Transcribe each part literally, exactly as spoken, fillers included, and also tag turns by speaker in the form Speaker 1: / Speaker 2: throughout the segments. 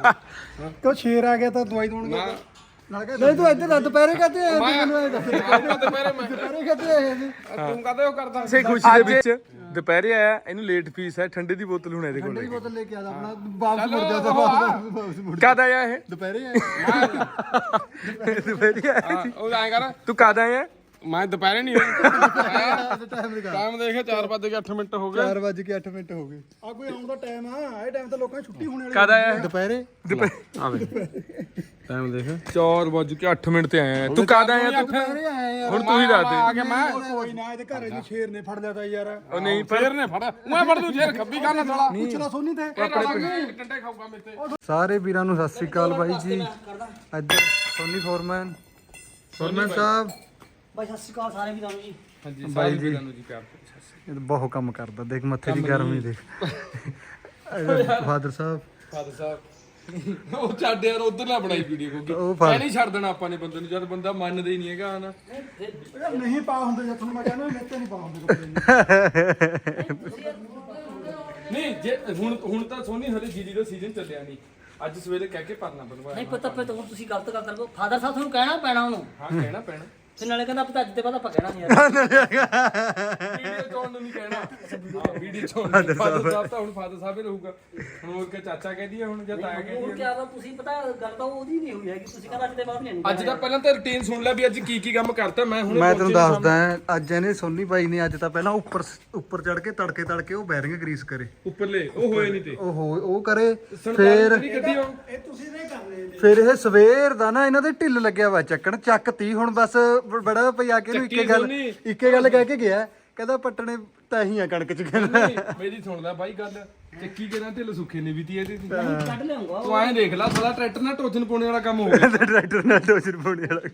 Speaker 1: ਕਿਉਂ ਸ਼ੇਰ ਆ ਗਿਆ ਤਾਂ ਦਵਾਈ ਦਵਾਉਣ ਗਿਆ ਨਹੀਂ ਤੂੰ ਇੱਧਰ ਦੁਪਹਿਰੇ ਕਹਤੇ ਆਏ ਮੈਨੂੰ ਇਹ ਦੱਸ
Speaker 2: ਦੁਪਹਿਰੇ ਮੈਂ
Speaker 1: ਦੁਪਹਿਰੇ ਕਹਤੇ ਆਏ ਸੀ
Speaker 2: ਤੂੰ ਕਹਦੇ ਉਹ ਕਰਦਾ
Speaker 3: ਸੇ ਖੁਸ਼ੀ ਦੇ ਵਿੱਚ ਦੁਪਹਿਰੇ ਆਇਆ ਇਹਨੂੰ ਲੇਟ ਫੀਸ ਹੈ ਠੰਡੇ ਦੀ ਬੋਤਲ ਹੁਣ ਇਹਦੇ ਕੋਲ
Speaker 1: ਠੰਡੀ ਬੋਤਲ ਲੈ ਕੇ ਆਦਾ ਆਪਣਾ ਵਾਪਸ ਮੁੜ ਜਾ ਵਾਪਸ ਮੁੜ
Speaker 3: ਕਦ ਆਇਆ ਇਹ
Speaker 1: ਦੁਪਹਿਰੇ ਆਏ
Speaker 3: ਦੁਪਹਿਰੇ ਆਇਆ
Speaker 2: ਉਹ ਐਂ ਕਰ
Speaker 3: ਤੂੰ ਕਦ ਆਇਆ
Speaker 2: ਮੈਂ ਦੁਪਹਿਰੇ ਨਹੀਂ ਹੋਇਆ
Speaker 1: ਟਾਈਮ ਲਗਾ
Speaker 2: ਟਾਈਮ ਦੇਖਿਆ ਚਾਰ ਵੱਜ ਕੇ ਅੱਠ ਮਿੰਟ ਹੋ ਗਏ
Speaker 1: ਚਾਰ ਵੱਜ ਕੇ ਅੱਠ ਮਿੰਟ ਹੋ ਗਏ ਆ ਕੋਈ ਆਉਣ ਦਾ ਟਾਈਮ ਆ ਇਹ ਟਾਈਮ ਤਾਂ ਲੋਕਾਂ ਦੀ ਛੁੱਟੀ ਹੋਣ ਵਾਲੀ
Speaker 3: ਕਦ ਆਇਆ ਇਹ?
Speaker 1: ਦੁਪਹਿਰੇ
Speaker 3: ਆਵੇ
Speaker 2: ਟਾਈਮ ਦੇਖ
Speaker 3: ਚਾਰ ਵੱਜ ਕੇ ਅੱਠ ਮਿੰਟ ਤੇ ਆਇਆ ਤੂੰ ਕਦ ਆਇਆ ਤੂੰ
Speaker 1: ਦੁਪਹਿਰੇ ਆਏ ਯਾਰ
Speaker 3: ਹੁਣ ਤੂੰ ਹੀ ਦੱਸ
Speaker 2: ਆ
Speaker 3: ਦੇ
Speaker 2: ਗਿਆ ਮੈਂ
Speaker 1: ਕੋਈ ਨਾ ਇਹਦੇ ਘਰੇ ਨੂੰ ਸ਼ੇਰ ਨੇ ਫੜ ਲਿਆ ਤਾਂ ਯਾਰ
Speaker 3: ਉਹ ਨਹੀਂ
Speaker 2: ਫੇਰ ਨੇ ਫੜ ਮੈਂ ਫੜ ਦੂੰ ਫੇਰ ਖੱਬੀ ਕਰਨਾ ਸਾਲਾ
Speaker 1: ਪੁੱਛਣਾ ਸੋਨੀ ਤੇ
Speaker 2: ਟੰਡੇ ਖਾਊਗਾ ਮੇਰੇ ਤੇ
Speaker 1: ਸਾਰੇ ਵੀਰਾਂ ਨੂੰ ਸਤਿ ਸ੍ਰੀ ਅਕਾਲ ਬਾਈ ਜੀ ਇੱਧਰ ਸੋਨੀ ਫੋਰਮੈਨ ਫੋਰਮੈਨ ਸਾਹਿਬ
Speaker 4: ਬਾਈ ਸਤਿ ਸ਼੍ਰੀ ਅਕਾਲ ਸਾਰੇ ਵੀਰਾਂ ਨੂੰ ਜੀ
Speaker 2: ਹਾਂਜੀ
Speaker 1: ਬਾਈ ਜੀ
Speaker 2: ਤੁਹਾਨੂੰ ਜੀ ਪਿਆਰ
Speaker 1: ਇਹ ਤਾਂ ਬਹੁਤ ਕੰਮ ਕਰਦਾ ਦੇਖ ਮੱਥੇ ਦੀ ਗਰਮੀ ਦੇਖ ਫਾਦਰ ਸਾਹਿਬ
Speaker 2: ਫਾਦਰ ਸਾਹਿਬ ਉਹ ਛੱਡ ਯਾਰ ਉਧਰ ਨਾ ਬਣਾਈ ਵੀਡੀਓ
Speaker 1: ਉਹ
Speaker 2: ਕਿਉਂਕਿ
Speaker 1: ਫੜ-
Speaker 2: ਐ ਨਹੀਂ ਛੱਡ ਦੇਣਾ ਆਪਾਂ ਨੇ ਬੰਦੇ ਨੂੰ ਜਦ ਬੰਦਾ ਮੰਨਦਾ ਹੀ ਨਹੀਂ ਹੈਗਾ ਹਨਾ
Speaker 1: ਨਹੀਂ ਪਾ ਹੁੰਦੇ ਜਦ ਤੁਹਾਨੂੰ ਮੈਂ ਕਹਿੰਦਾ ਮੇਤੇ ਨਹੀਂ ਪਾ ਹੁੰਦੇ
Speaker 2: ਨਹੀਂ ਜੇ ਹੁਣ ਹੁਣ ਤਾਂ ਸੋਨੀ ਹਲੇ ਜੀਡੀ ਦਾ ਸੀਜ਼ਨ ਚੱਲਿਆ ਨਹੀਂ ਅੱਜ ਸਵੇਰੇ ਕਹਿ ਕੇ ਪਰਨਾ ਬਣਵਾਇਆ
Speaker 4: ਨਹੀਂ ਪਤਾ ਪਤਾ ਹੁਣ ਤੁਸੀਂ ਗਲਤ ਕਰਦੇ ਹੋ ਫਾਦਰ ਸਾਹਿਬ ਤੁਹਾਨੂੰ ਕਹਿਣਾ ਪੈਣਾ ਉਹਨੂੰ
Speaker 2: ਹਾਂ ਕਹਿਣਾ ਪੈਣਾ
Speaker 4: ਤੇ ਨਾਲੇ ਕਹਿੰਦਾ ਪਤਾ ਅੱਜ ਦੇ ਬਾਅਦ ਆਪਾਂ ਕਹਿਣਾ ਨਹੀਂ ਯਾਰ
Speaker 2: ਵੀਡੀਓ ਚੋਣ ਨੂੰ ਨਹੀਂ ਕਹਿਣਾ ਵੀਡੀਓ ਚੋਣ ਫਾਦਰ ਸਾਹਿਬ ਤਾਂ ਹੁਣ ਫਾਦਰ ਸਾਹਿਬ ਹੀ ਰਹੂਗਾ ਹੁਣ ਹੋਰ ਕਿ ਚਾਚਾ ਕਹਿੰਦੀ ਆ ਹੁਣ ਜਾਂ ਤਾਇਆ
Speaker 4: ਹੁਣ
Speaker 2: ਕਹਿੰਦੀ
Speaker 4: ਕੀ ਆਦਾ ਤੁਸੀਂ ਪਤਾ ਗੱਲ ਤਾਂ ਉਹਦੀ ਨਹੀਂ ਹੋਈ ਹੈਗੀ ਤੁਸੀਂ ਕਹਿੰਦਾ ਅੱਜ ਦੇ ਬਾਅਦ ਨਹੀਂ
Speaker 2: ਆ ਅੱਜ ਦਾ ਪਹਿਲਾਂ ਤਾਂ ਰੁਟੀਨ ਸੁਣ ਲੈ ਵੀ ਅੱਜ ਕੀ ਕੀ ਕੰਮ ਕਰਤਾ ਮੈਂ ਹੁਣ
Speaker 1: ਮੈਂ ਤੈਨੂੰ ਦੱਸਦਾ ਅੱਜ ਇਹਨੇ ਸੋਨੀ ਬਾਈ ਨੇ ਅੱਜ ਤਾਂ ਪਹਿਲਾਂ ਉੱਪਰ ਉੱਪਰ ਚੜ ਕੇ ਤੜਕੇ ਤੜਕੇ ਉਹ ਬੈਰਿੰਗ ਗਰੀਸ ਕਰੇ
Speaker 2: ਉੱਪਰਲੇ ਉਹ ਹੋਏ ਨਹੀਂ ਤੇ
Speaker 1: ਉਹ ਹੋ- ਉਹ ਕਰੇ
Speaker 2: ਫੇਰ
Speaker 1: ਫੇਰ
Speaker 2: ਗੱਡੀ ਉਹ
Speaker 1: ਫਿਰ ਇਹ ਸਵੇਰ ਦਾ ਨਾ ਇਹਨਾਂ ਦੇ ਢਿੱਲ ਲੱਗਿਆ ਵਾ ਚੱਕਣ ਚੱਕਤੀ ਹੁਣ ਬਸ ਬ- ਬੜਾ ਪਈ ਆ ਕੇ ਇਹਨੂੰ ਇੱਕੇ ਗੱਲ
Speaker 2: ਸੋਨੀ।
Speaker 1: ਇੱਕੇ ਗੱਲ ਕਹਿ ਕੇ ਗਿਆ ਕਹਿੰਦਾ ਪੱਟਣੇ ਤਾਂ ਹੀ ਆ ਕਣਕ ਚ ਕਹਿੰਦਾ
Speaker 2: ਨਹੀਂ, ਮੇਰੀ ਸੁਣ ਲੈ ਬਾਈ ਗੱਲ ਚੱਕੀ ਕਿਹਨਾਂ ਢਿੱਲ ਸੁੱਖੇ ਨੇ ਵੀ ਤੀ ਇਹਦੀ
Speaker 4: ਕੱਢ ਲਿਆਉਂਗਾ
Speaker 2: ਤੂੰ ਐਂ ਦੇਖ ਲੈ ਸਾਲਾ ਟਰੈਕਟਰ ਨਾਲ ਟੋਚਨ ਪਾਉਣੇ ਵਾਲਾ ਕੰਮ ਹੋ ਗਿਆ
Speaker 1: ਟਰੈਕਟਰ ਨਾਲ ਟੋਚਰ ਪਾਉਣੇ ਵਾਲਾ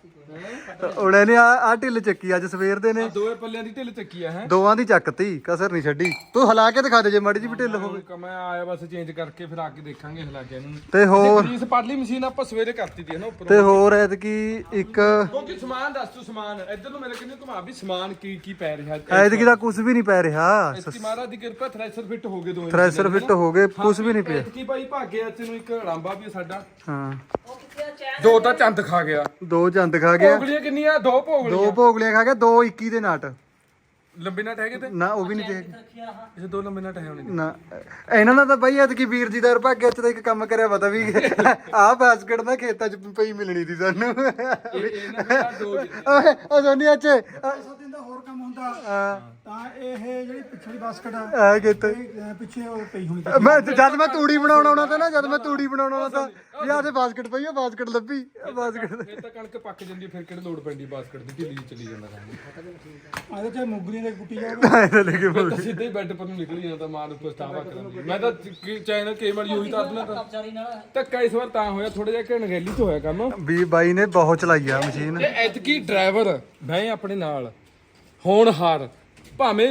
Speaker 1: ਉਹਨੇ ਨੇ ਆ ਆ ਢਿੱਲ ਚੱਕੀ ਅੱਜ ਸਵੇਰ ਦੇ ਨੇ
Speaker 2: ਦੋਏ ਪੱਲਿਆਂ ਦੀ ਢਿੱਲ ਚੱਕੀ ਆ ਹੈ
Speaker 1: ਦੋਵਾਂ ਦੀ ਚੱਕਤੀ ਕਸਰ ਨਹੀਂ ਛੱਡੀ ਤੂੰ ਹਿਲਾ ਕੇ ਦਿਖਾ ਦੇ ਜੇ ਮਾੜੀ ਜੀ ਵੀ ਢਿੱਲ ਹੋਵੇ
Speaker 2: ਮੈਂ ਆਇਆ ਬਸ ਚੇਂਜ ਕਰਕੇ ਫਿਰ ਆ ਕੇ ਦੇਖਾਂਗੇ ਹਿਲਾ ਕੇ ਇਹਨੂੰ
Speaker 1: ਤੇ ਹੋਰ
Speaker 2: ਗਰੀਸ ਪਰਲੀ ਮਸ਼ੀਨ ਆਪਾਂ ਸਵੇਰੇ ਕਰਤੀ ਦੀ ਹੈ ਨਾ ਉੱਪਰ
Speaker 1: ਤੇ ਹੋਰ ਐਤਕੀ ਇੱਕ
Speaker 2: ਕਿਉਂਕਿ ਸਮਾਨ ਦੱਸ ਤੂੰ ਸਮਾਨ ਇੱਧਰ ਨੂੰ ਮੇਰੇ ਕਿੰਨੇ ਘੁਮਾ ਵੀ ਸਮਾਨ ਕੀ ਕੀ ਪੈ ਰਿਹਾ
Speaker 1: ਐਤਕੀ ਦਾ ਕੁਝ ਵੀ ਨਹੀਂ ਪੈ ਰਿਹਾ
Speaker 2: ਇਸਕੀ ਮਹਾਰਾਜ ਦੀ ਕਿਰਪਾ ਥ੍ਰੈਸ਼ਰ ਫਿੱਟ ਹੋ ਗਏ ਦੋਵੇਂ
Speaker 1: ਥ੍ਰੈਸ਼ਰ ਫਿੱਟ ਹੋ ਗਏ ਕੁਝ ਵੀ ਨਹੀਂ ਪਿਆ
Speaker 2: ਕੀ ਭਾਈ ਭਾਗਿਆ ਚ ਨੂੰ ਇੱਕ ਰਾਂਬਾ ਵੀ ਸਾਡਾ
Speaker 1: ਹਾਂ
Speaker 4: ਉਹ ਕਿੱਥੇ ਆ ਚੈਨ
Speaker 2: ਦੋ ਤਾਂ ਚੰਦ ਖਾ ਗਿਆ
Speaker 1: ਦੋ ਚੰਦ ਖਾ ਗਿਆ
Speaker 2: ਭੋਗਲੀਆਂ ਕਿੰਨੀਆਂ ਦੋ ਭੋਗਲੀਆਂ
Speaker 1: ਦੋ ਭੋਗਲੀਆਂ ਖਾ ਗਿਆ ਦੋ ਇੱਕੀ ਦੇ ਨਾਟ
Speaker 2: ਲੰਬੇ ਨਟ ਹੈਗੇ ਤੇ
Speaker 1: ਨਾ ਉਹ ਵੀ ਨਹੀਂ ਤੇ
Speaker 4: ਰੱਖਿਆ ਆਹ
Speaker 2: ਇਹ ਦੋ ਲੰਬੇ ਨਟ ਹੈ ਹੋਣੇ
Speaker 1: ਨਾ ਇਹਨਾਂ ਦਾ ਤਾਂ ਬਾਈ ਐਤਕੀ ਵੀਰ ਜੀ ਦਾ ਭਾਗਿਆ ਚ ਤਾਂ ਇੱਕ ਕੰਮ ਕਰਿਆ ਪਤਾ ਵੀ ਆਹ ਬਾਸਕਟ ਨਾ ਖੇਤਾਂ ਚ ਪਈ ਮਿਲਣੀ ਸੀ ਸਾਨੂੰ
Speaker 2: ਇਹ ਇਹਨਾਂ ਦਾ ਦੋ
Speaker 1: ਓਏ ਉਹ ਸੋਨੀ ਅੱਜ ਦਿਨ ਦਾ ਹੋਰ ਕੰਮ ਹੁੰਦਾ ਤਾਂ ਇਹ ਜਿਹੜੀ ਪਿਛਲੀ ਬਾਸਕਟ ਆ ਕਿਤੇ ਪਿੱਛੇ ਉਹ ਪਈ ਹੋਣੀ ਮੈਂ ਜਦ ਮੈਂ ਤੂੜੀ ਬਣਾਉਣ ਆਉਣਾ ਤਾਂ ਨਾ ਜਦ ਮੈਂ ਤੂੜੀ ਬਣਾਉਣ ਆਉਣਾ ਤਾਂ ਵੀ ਆਹ ਤੇ ਬਾਸਕਟ ਪਈ ਉਹ ਬਾਸਕਟ ਲੱਭੀ ਬਾਸਕਟ
Speaker 2: ਫਿਰ ਤਾਂ ਕਣਕ ਪੱਕ ਜਾਂਦੀ ਫਿਰ ਕਿਹੜੇ ਲੋੜ ਪੈਂਦੀ ਬਾਸਕਟ ਦੀ ਢਿੱਲੀ ਜਿਹੀ ਚਲੀ ਜਾਂਦਾ ਕੰਮ
Speaker 1: ਆਦੇ ਤੇ ਮੁਗਲੀਆਂ ਦੇ ਕੁੱਟੀ ਜਾਓਗੇ ਐ ਲੈ ਕੇ
Speaker 2: ਮੈਂ ਤਾਂ ਸਿੱਧੇ ਹੀ ਬੈੱਡ ਪਰ ਨੂੰ ਨਿਕਲ ਜਾਂਦਾ ਮਾਂ ਨੂੰ ਪਛਤਾਵਾ ਕਰਾਂਗੀ ਮੈਂ ਤਾਂ ਚੈਨਲ ਕਈ ਵਾਰੀ ਉਹੀ ਤਾਂ ਆਪਣਾ ਤਾਂ
Speaker 4: ਵਿਚਾਰੀ ਨਾਲ
Speaker 2: ਧੱਕਾ ਇਸ ਵਾਰ ਤਾਂ ਹੋਇਆ ਥੋੜਾ ਜਿਹਾ ਘਣਗੈਲੀ ਤੋਂ ਹੋਇਆ ਕੰਮ
Speaker 1: ਵੀ ਬਾਈ ਨੇ ਬਹੁਤ ਚਲਾਈ ਆ ਮਸ਼ੀਨ
Speaker 2: ਤੇ ਐਤਕੀ ਡਰਾਈਵਰ ਮੈਂ ਆਪਣੇ ਨਾਲ ਹੋਣਹਾਰ ਭਾਵੇਂ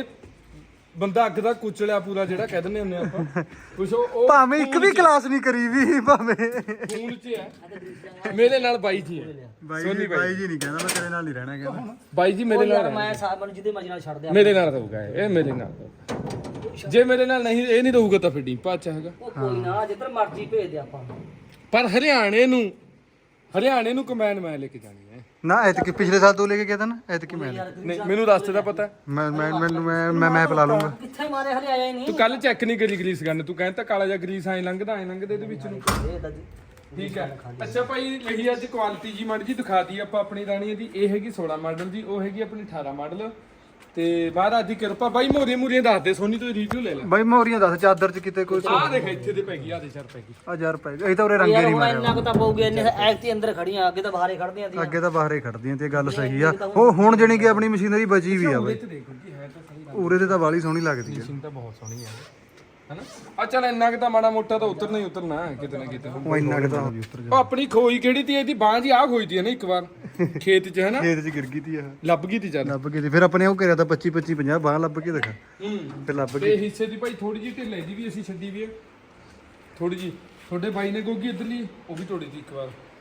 Speaker 2: ਬੰਦਾ ਅੱਗ ਦਾ ਕੁਚਲਿਆ ਪੂਰਾ ਜਿਹੜਾ ਕਹਿ ਦਿੰਦੇ ਹੁੰਦੇ ਆਪਾਂ ਕੁਛ ਉਹ ਉਹ
Speaker 1: ਭਾਵੇਂ ਇੱਕ ਵੀ ਕਲਾਸ ਨਹੀਂ ਕਰੀ ਵੀ ਭਾਵੇਂ
Speaker 2: ਖੂਨ ਚ ਹੈ ਮੇਰੇ ਨਾਲ ਬਾਈ ਜੀ ਹੈ
Speaker 1: ਬਾਈ ਬਾਈ ਜੀ ਨਹੀਂ ਕਹਿੰਦਾ ਮੈਂ ਤੇਰੇ ਨਾਲ ਹੀ ਰਹਿਣਾ ਕਹਿੰਦਾ
Speaker 2: ਬਾਈ ਜੀ ਮੇਰੇ ਨਾਲ
Speaker 4: ਯਾਰ ਮੈਂ ਸਾਹਿਬ ਨੂੰ ਜਿਹਦੇ ਮਰਜ਼ੀ ਨਾਲ ਛੱਡ ਦਿਆਂ
Speaker 2: ਮੇਰੇ ਨਾਲ ਰਹੂਗਾ ਇਹ ਮੇਰੇ ਨਾਲ ਰਹੂਗਾ। ਜੇ ਮੇਰੇ ਨਾਲ ਨਹੀਂ ਇਹ ਨਹੀਂ ਰਹੂਗਾ ਤਾਂ ਫਿਰ ਡੀਪਾ ਅੱਛਾ ਹੈਗਾ
Speaker 4: ਉਹ ਕੋਈ ਨਾ ਜਿੱਧਰ ਮਰਜ਼ੀ ਭੇਜ ਦੇ ਆਪਾਂ
Speaker 2: ਪਰ ਹਰਿਆਣੇ ਨੂੰ ਹਰਿਆਣੇ ਨੂੰ ਕਮੈਨ ਮੈਂ ਲੈ ਕੇ ਜਾਣੀ ਹੈ
Speaker 1: ਨਾ ਐਤਕੀ ਪਿਛਲੇ ਸਾਲ ਤੋਂ ਲੈ ਕੇ ਗਿਆ ਤਾਂ ਨਾ ਐਤਕੀ ਮੈਂ
Speaker 2: ਨਹੀਂ ਮੈਨੂੰ ਰਸਤੇ ਦਾ ਪਤਾ
Speaker 1: ਮੈਂ ਮੈਂ ਮੈਨੂੰ ਮੈਂ ਮੈਂ ਮੈਪ ਲਾ ਲੂੰਗਾ
Speaker 4: ਕਿੱਥੇ ਮਾਰੇ ਹਲੇ ਆਇਆ ਹੀ ਨਹੀਂ
Speaker 2: ਤੂੰ ਕੱਲ ਚੈੱਕ ਨਹੀਂ ਕਰੀ ਗਰੀਸ ਗੰਨ ਤੂੰ ਕਹਿੰਦਾ ਕਾਲਾ ਜਿਹਾ ਗਰੀਸ ਐ ਲੰਘਦਾ ਐ ਲੰਘਦੇ ਇਹਦੇ ਵਿੱਚ ਨੂੰ
Speaker 4: ਇਹ ਤਾਂ ਜੀ
Speaker 2: ਠੀਕ ਹੈ ਅੱਛਾ ਭਾਈ ਲਈ ਅੱਜ ਕੁਆਲਿਟੀ ਜੀ ਮਾੜੀ ਜੀ ਦਿਖਾਤੀ ਆਪਾਂ ਆਪਣੀ ਰਾਣੀ ਦੀ ਇਹ ਹੈਗੀ ਸੋਲਾਂ ਮਾਡਲ ਦੀ ਉਹ ਹੈਗੀ ਆਪਣੀ ਅਠਾਰਾਂ ਮਾਡਲ ਤੇ ਮਹਾਰਾਜ ਦੀ ਕਿਰਪਾ ਬਾਈ ਮੋਰੀਆਂ ਮੂਰੀਆਂ ਦੱਸ ਦੇ ਸੋਨੀ ਤੋਂ ਰਿਵਿਊ ਲੈ ਲੈ
Speaker 1: ਬਾਈ ਮੋਰੀਆਂ ਦੱਸ ਚਾਦਰ ਚ ਕਿਤੇ ਕੋਈ
Speaker 2: ਆਹ ਦੇਖ ਇੱਥੇ ਦੇ ਪੈ ਗਈ ਆਹ ਦੇ ਚਾਰ ਪੈ ਗਈ
Speaker 1: ਹਜ਼ਾਰ ਰੁਪਏ ਇਹ ਤਾਂ ਉਰੇ ਰੰਗੇ
Speaker 4: ਯਾਰ
Speaker 1: ਨਹੀਂ
Speaker 4: ਹੁਣ
Speaker 1: ਮਾਰਿਆ
Speaker 4: ਇੰਨਾ ਕੁ ਤਾਂ ਪਊਗੀ ਇੰਨੇ ਐਕ ਤੇ ਅੰਦਰ ਖੜੀਆਂ ਅੱਗੇ ਤਾਂ ਬਾਹਰੇ ਖੜਦੀਆਂ ਸੀ
Speaker 1: ਅੱਗੇ ਤਾਂ ਬਾਹਰੇ ਖੜਦੀਆਂ ਤੇ ਗੱਲ ਸਹੀ ਆ ਉਹ ਹੁਣ ਜਣੀ ਕਿ ਆਪਣੀ ਮਸ਼ੀਨਰੀ ਬਚੀ ਵੀ ਆ ਬਾਈ
Speaker 2: ਤੇ ਦੇਖੋ ਕੀ ਹੈ ਤਾਂ ਸਹੀ
Speaker 1: ਉਰੇ ਤੇ ਤਾਂ ਬਾਲੀ ਸੋਹਣੀ ਲੱਗਦੀ ਆ
Speaker 2: ਮਸ਼ੀਨ ਤਾਂ ਬਹੁਤ ਸੋਹਣੀ ਹੈ ਹਨਾ ਆ ਚੱਲ ਇੰਨਾ ਕਿ ਤਾਂ ਮਾੜਾ ਮੋਟਾ ਤਾਂ ਉਤਰਨਾ ਹੀ ਉਤਰਨਾ ਕਿਤੇ ਨਾ ਕਿਤੇ
Speaker 1: ਉਹ ਇੰਨਾ ਕਿ ਤਾਂ ਹੋ ਜੀ ਉੱਤਰ ਜਾ
Speaker 2: ਉਹ ਆਪਣੀ ਖੋਈ ਕਿਹੜੀ ਤੀ ਇਹਦੀ ਬਾਂਹ ਜੀ ਆ ਖੋਈ ਤੀ ਨਾ ਇੱਕ ਵਾਰ ਖੇਤ 'ਚ ਹਨਾ
Speaker 1: ਖੇਤ ਚ ਗਿਰ ਗਈ ਤੀ ਆ
Speaker 2: ਲੱਭ ਗਈ ਤੀ ਚੱਲ
Speaker 1: ਲੱਭ ਕੇ ਤੇ ਫਿਰ ਆਪਣੇ ਉਹ ਕਰਿਆ ਤਾਂ ਪੱਚੀ ਪੱਚੀ ਪੰਜਾਹ ਬਾਹ ਲੱਭ ਕੇ ਦਿਖਾ
Speaker 2: ਹੂੰ
Speaker 1: ਫਿਰ ਲੱਭ
Speaker 2: ਤੇ ਹਿੱਸੇ ਦੀ ਭਾਈ ਥੋੜੀ ਜਿਹੀ ਢਿੱਲੇ ਦੀ ਵੀ ਅਸੀਂ ਛੱਡੀ ਵੀ ਹੈ ਥੋੜੀ ਜੀ ਤੁਹਾਡੇ ਬਾਈ ਨੇ ਗੋਗੀ ਇਧਰਲੀ ਉਹ ਵੀ ਤੋੜੀ ਤੀ ਇੱਕ ਵਾਰ